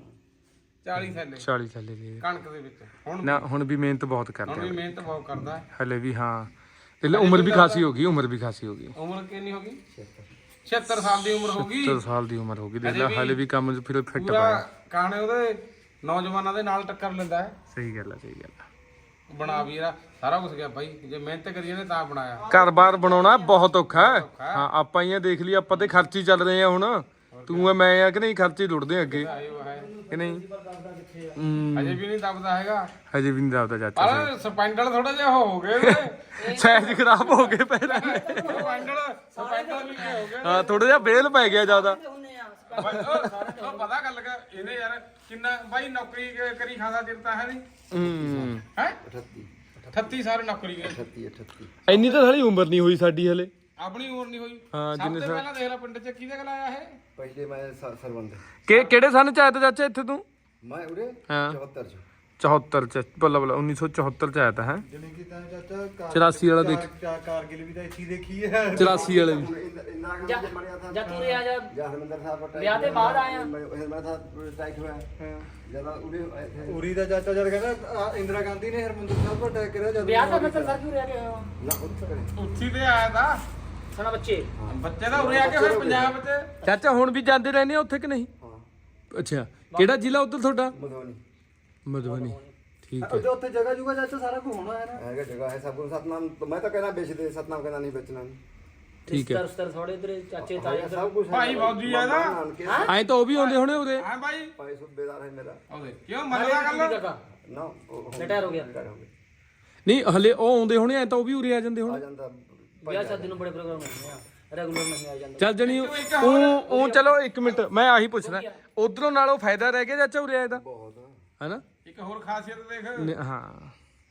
Speaker 2: ਚਾਲੀ ਥੱਲੇ
Speaker 3: ਚਾਲੀ ਸਾਲੇ ਦੀ
Speaker 2: ਕਣਕ ਦੇ ਵਿੱਚ ਹੁਣ
Speaker 3: ਨਾ ਹੁਣ ਵੀ ਮਿਹਨਤ ਬਹੁਤ
Speaker 2: ਹੁਣ
Speaker 3: ਕਰਦਾ
Speaker 2: ਵੀ ਮਿਹਨਤ ਬਹੁਤ ਕਰਦਾ ਹੈ।
Speaker 3: ਹਲੇ ਵੀ ਹਾਂ ਤੇ ਉਮਰ ਵੀ ਖਾਸੀ ਹੋ ਗਈ ਉਮਰ ਵੀ ਖਾਸੀ ਹੋ ਗਈ
Speaker 2: ਉਮਰ ਕਿੰਨੀ ਹੋ ਗਈ ਛਿਹੱਤਰ ਸਾਲ ਦੀ ਉਮਰ ਹੋ ਗਈ
Speaker 3: ਸੱਤਰ ਸਾਲ ਦੀ ਉਮਰ ਹੋ ਗਈ ਦੇਖ ਲੈ ਹਲੇ ਵੀ ਕੰਮ 'ਚ ਫਿਰ ਫਿੱਟ
Speaker 2: ਪੂਰਾ
Speaker 3: ਪਾਇਆ
Speaker 2: ਕਾਣੇ ਉਹਦੇ ਨੌਜਵਾਨਾਂ ਦੇ ਨਾਲ ਟੱਕਰ ਲੈਂਦਾ ਹੈ
Speaker 3: ਸਹੀ ਗੱਲ ਹੈ ਸਹੀ ਗੱਲ ਹੈ
Speaker 2: ਬਣਾ ਵੀ ਇਹਦਾ ਸਾਰਾ ਕੁਝ ਗਿਆ ਬਾਈ ਜੇ ਮਿਹਨਤ ਕਰੀਏ ਨੇ ਤਾਂ ਬਣਾਇਆ
Speaker 3: ਘਰ-ਬਾਰ ਬਣਾਉਣਾ ਬਹੁਤ ਔਖਾ ਹੈ ਹਾਂ ਆਪਾਂ ਹੀ ਆ ਦੇਖ ਲਈ ਆਪਾਂ ਤੇ ਖਰਚੀ ਚੱਲ ਰਹੇ ਆ ਹੁਣ ਤੂੰ ਆ ਮੈਂ ਆ ਕਿ ਨਹੀਂ ਖਰਚੀ ਲੁੱਟਦੇ ਅੱਗੇ
Speaker 2: ਆਇਓ ਹੈ
Speaker 3: ਕਿ ਨਹੀਂ ਹੂੰ
Speaker 2: ਅਜੇ ਵੀ ਨਹੀਂ ਦਬਦਾ ਹੈਗਾ
Speaker 3: ਹਜੇ ਵੀ ਨਹੀਂ ਦੱਬਦਾ ਚਾਚਾ
Speaker 2: ਪਰ ਸਪੈਂਡਲ ਥੋੜਾ ਜਿਹਾ ਹੋ ਗਏ ਉਹਦੇ
Speaker 3: ਸਾਈਜ਼ ਖਰਾਬ ਹੋ ਗਏ ਪੈਰਾਂ ਦੇ
Speaker 2: ਸਪੈਂਡਲ ਸਪੈਂਡਲ ਵੀ ਹੋ ਗਏ
Speaker 3: ਹਾਂ ਥੋੜਾ ਜਿਹਾ ਬੇਲ ਪੈ ਗਿਆ ਜ਼ਿਆਦਾ
Speaker 2: ਬਾਈ, ਉਹ ਉਹ ਪਤਾ ਗੱਲ ਕਿ ਇਹਨੇ ਯਾਰ ਕਿੰਨਾ ਬਾਈ ਨੌਕਰੀ ਕ- ਕਰੀ ਖਾਂਦਾ ਚਿਰ ਤਾਂ ਹੈ ਨਹੀਂ
Speaker 3: ਹੂੰ
Speaker 2: ਹੈ
Speaker 5: ਅਠੱਤੀ
Speaker 2: ਅਠੱਤੀ ਸਾਲ ਨੌਕਰੀ ਕਰੀ
Speaker 5: ਅਠੱਤੀ ਅਠੱਤੀ
Speaker 3: ਇੰਨੀ ਤਾਂ ਸਾਡੀ ਉਮਰ ਨਹੀਂ ਹੋਈ ਸਾਡੀ ਹਲੇ
Speaker 2: ਆਪਣੀ ਉਮਰ ਨਹੀਂ ਹੋਈ
Speaker 3: ਹਾਂ,
Speaker 2: ਸਭ ਤੋਂ ਪਹਿਲਾਂ ਦੇਖ ਲੈ ਪਿੰਡ 'ਚ ਕਿਹਦੇ ਕੋਲ ਆਇਆ ਇਹ
Speaker 5: ਪਹਿਲੇ ਮੈਂ ਸ- ਸਰਵੰਦ
Speaker 3: ਕਿ ਕਿਹੜੇ ਸਨ ਚ ਆਇਆ ਤਾ ਚਾਚਾ ਇੱਥੇ ਤੂੰ
Speaker 5: ਮੈਂ ਉਰੇ
Speaker 3: ਹਾਂ
Speaker 5: ਚੌਹੱਤਰ ਚ
Speaker 3: ਚੌਹੱਤਰ ਚ ਬੱਲਾ ਬੱਲਾ ਉੱਨੀ ਸੌ ਚੌਹੱਤਰ ਚ ਆਇਆ ਤਾ ਹੈ
Speaker 5: ਜਿਵੇਂ ਕਿ ਤਾਂ ਚਾਚਾ ਕਾਰ-
Speaker 3: ਚੁਰਾਸੀ ਵਾਲਾ ਦੇਖ
Speaker 5: ਚਾਰ ਕਾਰਗਿਲ ਵੀ ਤਾਂ ਇੱਥੇ ਹੀ ਦੇਖੀ ਹੈ
Speaker 3: ਚੁਰਾਸੀ ਵਾਲੇ ਵੀ
Speaker 5: ਇੰਨਾ
Speaker 4: ਜਾ
Speaker 5: ਕੁ ਮਰਿਆ ਥਾ
Speaker 4: ਜਾ ਤੂੰ ਰਿਆ ਜਾ
Speaker 5: ਜਾਂ ਹਰਮੰਦਰ ਸਾਹਿਬ ਦਾ
Speaker 4: ਵਿਆਹ ਦੇ ਬਾਅਦ ਆਇਆ
Speaker 5: ਮੈਂ ਮੈਂ ਥਾ ਅਟੈਕ ਹੋਇਆ ਜਦੋਂ ਉਰੇ ਉਰੀ ਦਾ ਚਾਚਾ ਜਦ ਕਹਿੰਦਾ ਆਹ ਇੰਦਰਾ ਗਾਂਧੀ ਨੇ ਹਰਮੰਦਰ ਸਾਹਿਬ ਦਾ ਅਟੈਕ ਕਰਿਆ ਜਦ
Speaker 4: ਵਿਆਹ ਤਾਂ ਮੈਂ ਸਰ ਕਿਉਂ ਰਿਆ ਗਿਆ
Speaker 5: ਨਾ ਉੱਥੇ ਕਰੇ
Speaker 2: ਉੱਥੀ ਤੇ ਆਇਆ ਤਾਂ
Speaker 4: ਸਣਾ ਬੱਚੇ
Speaker 2: ਬੱਚੇ ਤਾਂ ਉਰੇ ਆ ਕੇ ਫਿਰ ਪੰਜਾਬ 'ਚ
Speaker 3: ਚਾਚਾ ਹੁਣ ਵੀ ਜਾਂਦੇ ਰਹਿੰਦੇ ਆ ਉੱਥੇ ਕਿ ਨਹੀਂ
Speaker 5: ਹਾਂ
Speaker 3: ਅੱਛਾ ਕਿਹੜਾ ਜ਼ਿਲ੍ਹਾ ਉੱਧਰ ਤੁਹਾਡਾ
Speaker 5: ਮਧੂਬਨੀ
Speaker 3: ਮਧੂਬਨੀ ਠੀਕ ਹੈ
Speaker 5: ਉਹਦੇ ਉੱਥੇ ਜਗ੍ਹਾ ਜੁਗਾ ਚਾਚਾ ਸਾਰਾ ਕੁਝ ਹੋਣਾ ਹੈ ਨਾ ਹੈਗਾ ਜਗ੍ਹਾ ਹੈ ਸਭ ਕੁਝ ਸਤਨਾਮ ਮੈਂ ਤਾਂ ਕਹਿੰਦਾ ਵੇਚ ਦੇ ਸਤਨਾਮ ਕਹਿੰਦਾ ਨਹੀਂ ਵੇਚਣਾ
Speaker 3: ਠੀਕ ਹੈ
Speaker 4: ਰਿਸ਼ਤੇਦਾਰ ਥੋੜੇ ਇਧਰ ਚਾਚੇ ਤਾਏ
Speaker 5: ਸਭ ਕੁਝ
Speaker 2: ਭਾਈ ਫੌਜੀ ਆ ਨਾ
Speaker 3: ਐਂ ਤਾਂ ਉਹ ਵੀ ਆਉਂਦੇ ਹੋਣੇ ਉਰੇ
Speaker 2: ਹਾਂ ਬਾਈ
Speaker 5: ਭਾਈ ਸੁਬੇਦਾਰ ਹੈ ਮੇਰਾ
Speaker 2: ਉਹਦੇ ਕਿਉਂ ਮੰਨਦਾ ਗੱਲ
Speaker 4: ਕਰਦਾ
Speaker 5: ਨਾ ਉਹ
Speaker 4: ਰਿਟਾਇਰ ਹੋ ਗਿਆ
Speaker 5: ਰਿਟਾਇਰ ਹੋ ਗਿਆ
Speaker 3: ਨਹੀਂ ਹਲੇ ਉਹ ਆਉਂਦੇ ਹੋਣੇ ਐਂ ਤਾਂ ਉਹ ਵੀ ਉਰੇ ਆ ਜਾਂਦੇ
Speaker 5: ਆ
Speaker 3: ਹੋਣੇ
Speaker 5: ਜਾਂਦਾ
Speaker 4: ਵਿਆਹ ਸ਼ਾਦੀ ਨੂੰ ਬੜੇ ਪ੍ਰੋਗਰਾਮ ਹੁੰਦੇ ਆ ਰੈਗੂਲਰ ਨਹੀਂ ਆ ਜਾਂਦੇ
Speaker 3: ਚੱਲ ਜਣੀ ਉਹ ਉਹ ਚਲੋ ਇੱਕ ਮਿੰਟ ਮੈਂ ਆਹੀ ਪੁੱਛਦਾ ਉਧਰੋਂ ਨਾਲੋਂ ਫਾਇਦਾ ਰਹਿ ਗਿਆ ਚਾਚਾ ਉਰੇ ਆਏ ਦਾ
Speaker 5: ਬਹੁਤ
Speaker 3: ਹੈਨਾ
Speaker 2: ਇੱਕ ਹੋਰ ਖਾਸੀਅਤ ਦੇਖ
Speaker 3: ਨ- ਹਾਂ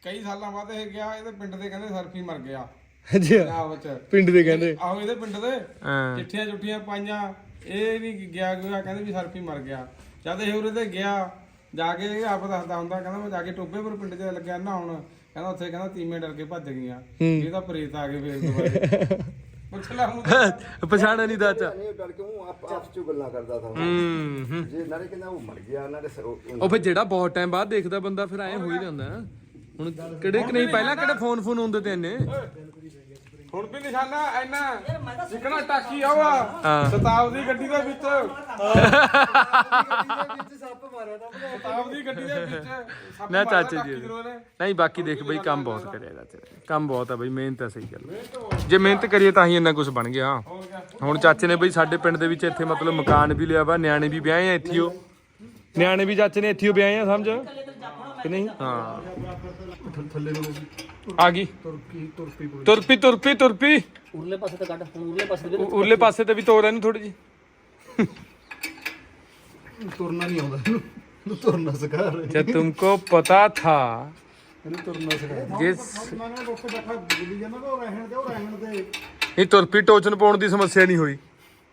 Speaker 3: ਕਈ ਸਾਲਾਂ ਬਾਅਦ ਇਹ ਗਿਆ, ਇਹਦੇ ਪਿੰਡ ਦੇ ਕਹਿੰਦੇ ਸਰਫੀ ਮਰ ਗਿਆ
Speaker 1: ਅੱਛਾ
Speaker 3: ਪੰਜਾਬ ਚ।
Speaker 1: ਪਿੰਡ ਦੇ ਕਹਿੰਦੇ
Speaker 3: ਆਹੋ ਇਹਦੇ ਪਿੰਡ ਦੇ
Speaker 1: ਹਾਂ
Speaker 3: ਚਿੱਠੀਆਂ ਚੁੱਠੀਆਂ ਪਾਈਆਂ, ਇਹ ਵੀ ਗਿਆ ਗਿਆ ਕਹਿੰਦੇ ਵੀ ਸਰਫੀ ਮਰ ਗਿਆ। ਜਦ ਇਹ ਉਰੇ ਤੇ ਗਿਆ ਜਾ ਕੇ ਇਹ ਆਪ ਦੱਸਦਾ ਹੁੰਦਾ, ਕਹਿੰਦਾ ਮੈਂ ਜਾ ਕੇ ਟੋਬੇ ਪਰ ਪਿੰਡ 'ਚ ਲੱਗਿਆ ਨਾ ਹੁਣ, ਕਹਿੰਦਾ ਉੱਥੇ ਕਹਿੰਦਾ ਤੀਵੇਂ ਡਰ ਕੇ ਭੱਜ ਗਈਆਂ, ਇਹ ਤਾਂ ਪ੍ਰੇਤ ਆ ਗਏ ਫੇਰ ਦੁਬਾਰੇ। ਪੁੱਛ ਲੈ ਹੁਣ
Speaker 1: ਪਛਾਣਿਆ ਨਹੀਂ ਦਾਚਾ
Speaker 5: ਨਹੀਂ ਡਰ ਕੇ ਉਹ ਆਪ ਆਪਸ ਚ ਗੱਲਾਂ ਕਰਦਾ था
Speaker 1: ਹੂੰ ਹੂੰ
Speaker 5: ਜੇ ਨਾਲੇ ਕਹਿੰਦਾ ਉਹ ਮਰ ਗਿਆ ਨਾਲੇ ਸ- ਉਹ-
Speaker 1: ਉਹ ਫਿਰ ਜਿਹੜਾ ਬਹੁਤ ਟਾਈਮ ਬਾਅਦ ਦੇਖਦਾ ਬੰਦਾ ਫਿਰ ਐ ਹੋ ਹੀ ਜਾਂਦਾ ਹੁਣ ਕਿਹੜੇ ਕਿ ਨਹੀਂ ਪਹਿਲਾਂ ਕਿਹੜੇ ਫੋਨ ਫੋਨ ਹੁੰਦੇ ਤੇ ਇੰਨੇ
Speaker 3: ਹੁਣ ਵੀ ਨਿਸ਼ਾਨਾ ਇੰਨਾ ਜਿਕਣਾ ਟਾਕੀ ਆਵਾ ਸਤਾਬਦੀ ਗੱਡੀ ਦੇ ਵਿੱਚ,
Speaker 5: ਸੱਪ ਮਾਰਿਆ ਤਾਂ
Speaker 3: ਸਤਾਬਦੀ ਗੱਡੀ ਦੇ ਵਿੱਚ ਸੱਪ
Speaker 1: ਨਾ
Speaker 3: ਮਾਰਿਆ
Speaker 1: ਚਾਚੇ ਜੀ
Speaker 3: ਟਾਕੀ ਜ਼ਰੂਰ ਨੇ।
Speaker 1: ਨਹੀਂ ਬਾਕੀ ਦੇਖ ਬਈ ਕੰਮ ਬਹੁਤ ਕਰਿਆ ਚਾਚੇ ਨੇ, ਕੰਮ ਬਹੁਤ ਆ ਬਈ, ਮਿਹਨਤ ਆ ਸਹੀ ਗੱਲ, ਜੇ ਮਿਹਨਤ ਕਰੀਏ ਤਾਂ ਹੀ ਇੰਨਾ ਕੁਝ ਬਣ ਗਿਆ। ਹੁਣ ਚਾਚੇ ਨੇ ਬਈ ਸਾਡੇ ਪਿੰਡ ਦੇ ਵਿੱਚ ਇੱਥੇ ਮਤਲਬ ਮਕਾਨ ਵੀ ਲਿਆ ਵਾ, ਨਿਆਣੇ ਵੀ ਵਿਆਹੇ ਆ ਇੱਥੇ, ਉਹ ਨਿਆਣੇ ਵੀ ਚਾਚੇ ਨੇ ਇੱਥੇ ਵਿਆਹੇ ਆ, ਸਮਝ ਕਿ ਨਹੀਂ? ਹਾਂ
Speaker 5: ਥੱਲੇ ਨੂੰ
Speaker 1: ਆ ਗਈ
Speaker 5: ਤੁਰਕੀ ਤੁਰਪੀ
Speaker 1: ਤੁਰਪੀ ਤੁਰਪੀ ਤੁਰਪੀ
Speaker 4: ਉਰਲੇ ਪਾਸੇ ਤੇ ਕੱਢ, ਹੁਣ ਉਰਲੇ ਪਾਸੇ ਤੇ
Speaker 1: ਉ- ਉਰਲੇ ਪਾਸੇ ਤੇ ਵੀ ਤੋੜ ਇਹਨੂੰ ਥੋੜੀ ਜੀ।
Speaker 5: ਤੁਰਨਾ ਨਹੀਂ ਆਉਂਦਾ ਇਹਨੂੰ ਇਹਨੂੰ ਤੁਰਨਾ ਸਿਖਾ ਰਹੇ
Speaker 1: ਜਦ ਤੁਮਕੋ ਪਤਾ ਥਾ
Speaker 5: ਇਹਨੂੰ ਤੁਰਨਾ ਸਿਖਾ
Speaker 1: ਜਿਸ
Speaker 5: ਮੈਂ ਨਾ ਉੱਥੇ ਬੈਠਾ ਬੁੱਲੀ ਜਾਂਦਾ ਤਾਂ ਉਹ ਰਹਿਣ ਦੇ ਉਹ ਰਹਿਣ ਦੇ
Speaker 1: ਇਹ ਤੁਰਪੀ ਟੋਚਨ ਪਾਉਣ ਦੀ ਸਮੱਸਿਆ ਨਹੀਂ ਹੋਈ।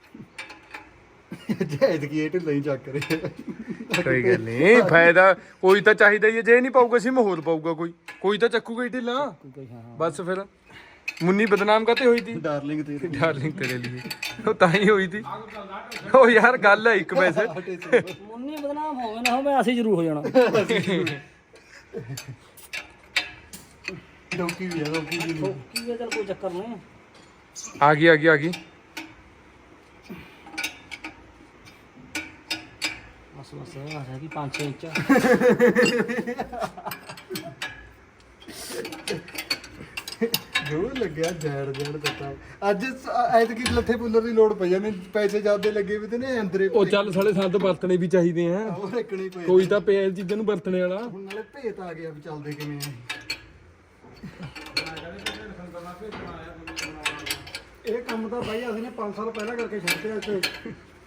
Speaker 5: ਜੈਦ ਕੀ ਇਹ ਢਿੱਲਾ ਹੀ ਚੱਕ ਰਿਹਾ
Speaker 1: ਕੋਈ ਗੱਲ ਨਹੀਂ, ਫਾਇਦਾ ਕੋਈ ਤਾਂ ਚਾਹੀਦਾ ਹੀ ਹੈ, ਜੇ ਨਹੀਂ ਪਾਊਗਾ ਸੀ ਮਾਹੌਲ ਪਾਊਗਾ, ਕੋਈ ਕੋਈ ਤਾਂ ਚੱਕੂਗਾ ਹੀ ਢਿੱਲਾ ਬਸ। ਫਿਰ ਮੁੰਨੀ ਬਦਨਾਮ ਕਾਤੇ ਹੋਈ ਤੀ?
Speaker 5: ਡਾਰਲਿੰਗ ਤੇਰੀ
Speaker 1: ਡਾਰਲਿੰਗ ਤੇਰੇ ਲਈ ਉਹ ਤਾਂ ਹੀ ਹੋਈ ਤੀ। ਉਹ ਯਾਰ ਗੱਲ ਹੈ ਇੱਕ ਵੈਸੇ,
Speaker 4: ਮੁੰਨੀ ਬਦਨਾਮ ਹੋਵੇ ਨਾ ਹੋਵੇ ਅਸੀਂ ਜ਼ਰੂਰ ਹੋ ਜਾਣਾ।
Speaker 5: ਡੋਕੀ ਵੀ ਆ ਡੋਕੀ ਵੀ ਨਹੀਂ
Speaker 4: ਕੀ ਹੈ, ਚੱਲ ਕੋਈ ਚੱਕਰ ਨਹੀਂ।
Speaker 1: ਆ ਗਈ ਆ ਗਈ ਆ ਗਈ।
Speaker 4: ਬਸ ਬਸ ਆ ਰਿਹਾ ਕਿ ਪੰਜ ਛੇ ਇੰਚ।
Speaker 5: ਜੋ ਲੱਗਿਆ ਜੈੜ ਜੈੜ ਦਿੱਤਾ ਅੱਜ ਐਤਕੀ ਲੱਥੇ ਪੁੱਲਰ ਦੀ ਲੋੜ ਪਈ ਜਾਂਦੇ ਪੈਸੇ ਜ਼ਿਆਦੇ ਲੱਗੇ ਵੀ ਤੇ ਨੇ ਅੰਦਰੇ
Speaker 1: ਉਹ ਚੱਲ ਸਾਲੇ ਸੰਦ ਵਰਤਣੇ ਵੀ ਚਾਹੀਦੇ ਆ,
Speaker 5: ਉਹ ਰੱਖਣੇ ਪਏ
Speaker 1: ਕੋਈ ਤਾਂ ਪਿਆ ਚੀਜ਼ਾਂ ਨੂੰ ਵਰਤਣੇ ਵਾਲਾ।
Speaker 5: ਹੁਣ ਨਾਲੇ ਭੇਤ ਆ ਗਿਆ ਵੀ ਚੱਲਦੇ ਕਿਵੇਂ ਆ ਇਹ ਕੰਮ ਤਾਂ ਬਾਈ ਅਸੀਂ ਨੇ ਪੰਜ ਸਾਲ ਪਹਿਲਾਂ ਕਰਕੇ ਛੱਡਿਆ ਇੱਥੇ